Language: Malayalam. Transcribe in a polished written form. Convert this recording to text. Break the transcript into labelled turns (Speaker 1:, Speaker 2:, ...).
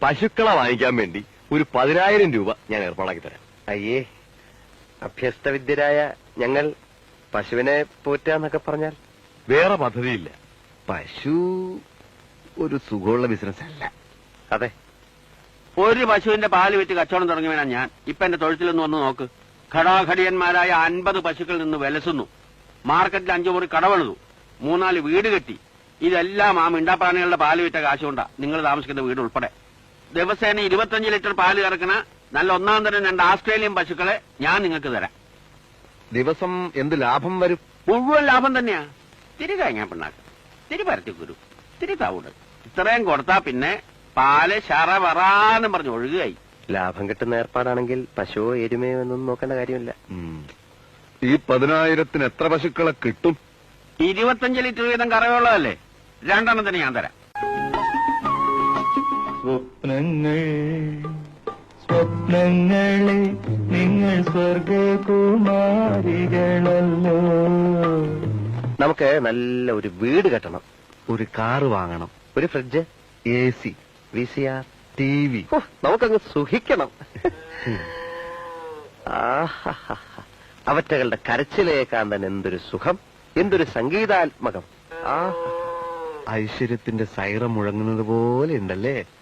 Speaker 1: പശുക്കളെ വാങ്ങിക്കാൻ വേണ്ടി ഒരു 10,000 രൂപ ഞാൻ ഏർപ്പാടാക്കി തരാം.
Speaker 2: അയ്യേ, അഭ്യസ്തവിദ്യരായ ഞങ്ങൾ പശുവിനെ പോറ്റാന്നൊക്കെ പറഞ്ഞാൽ?
Speaker 1: വേറെ പദ്ധതിയില്ല. പശു ഒരു സുഖമുള്ള ബിസിനസ് അല്ല.
Speaker 2: അതെ,
Speaker 3: ഒരു പശുവിന്റെ പാല് വിറ്റ് കച്ചവടം തുടങ്ങിയവനാ ഞാൻ. ഇപ്പൊ എന്റെ തൊഴുത്തിലൊന്ന് വന്ന് നോക്ക്. ഘടാഘടിയന്മാരായ 50 പശുക്കളിൽ നിന്ന് വിലസുന്നു. മാർക്കറ്റിൽ 5 മുറി കടവെളുതു, 3-4 വീട് കെട്ടി. ഇതെല്ലാം ആ മിണ്ടാപ്രാണികളുടെ പാല് വിറ്റ കാശുകൊണ്ടാ നിങ്ങൾ താമസിക്കുന്ന വീട് ഉൾപ്പെടെ. ദിവസേന 25 ലിറ്റർ പാല് കറക്കണ നല്ല ഒന്നാം തരം 2 ആസ്ട്രേലിയൻ പശുക്കളെ ഞാൻ നിങ്ങൾക്ക് തരാം.
Speaker 1: ദിവസം എന്ത് ലാഭം വരും?
Speaker 3: മുഴുവൻ ലാഭം തന്നെയാ. തിരി കഴിഞ്ഞാ പിണ്ണാക്ക്, തിരി പരത്തിക്കുരു, തിരി തവിട്, ഇത്രയും കൊടുത്താ പിന്നെ പാല് ശറവറാന്നും പറഞ്ഞ് ഒഴുകുകയായി.
Speaker 2: ലാഭം കിട്ടുന്ന ഏർപ്പാടാണെങ്കിൽ പശുവോ എരുമയോ എന്നൊന്നും നോക്കേണ്ട കാര്യമില്ല.
Speaker 1: ഈ 10,000-ന് എത്ര പശുക്കളെ കിട്ടും?
Speaker 3: 25 ലിറ്റർ വീതം കറവുള്ളതല്ലേ, 2 എണ്ണത്തിന് ഞാൻ തരാം.
Speaker 4: സ്വപ്നങ്ങളെ നിങ്ങൾ സ്വർഗകുമാരികളല്ലോ.
Speaker 2: നമുക്ക് നല്ല ഒരു വീട് കെട്ടണം,
Speaker 1: ഒരു കാറ് വാങ്ങണം,
Speaker 2: ഒരു ഫ്രിഡ്ജ്,
Speaker 1: AC,
Speaker 2: VCR,
Speaker 1: TV.
Speaker 2: നമുക്കങ്ങ് സുഖിക്കണം. അവറ്റകളുടെ കരച്ചിലേക്കാൻ തന്നെ എന്തൊരു സുഖം, എന്തൊരു സംഗീതാത്മകം.
Speaker 1: ഐശ്വര്യത്തിന്റെ സൈറം മുഴങ്ങുന്നത് പോലെ ഉണ്ടല്ലേ?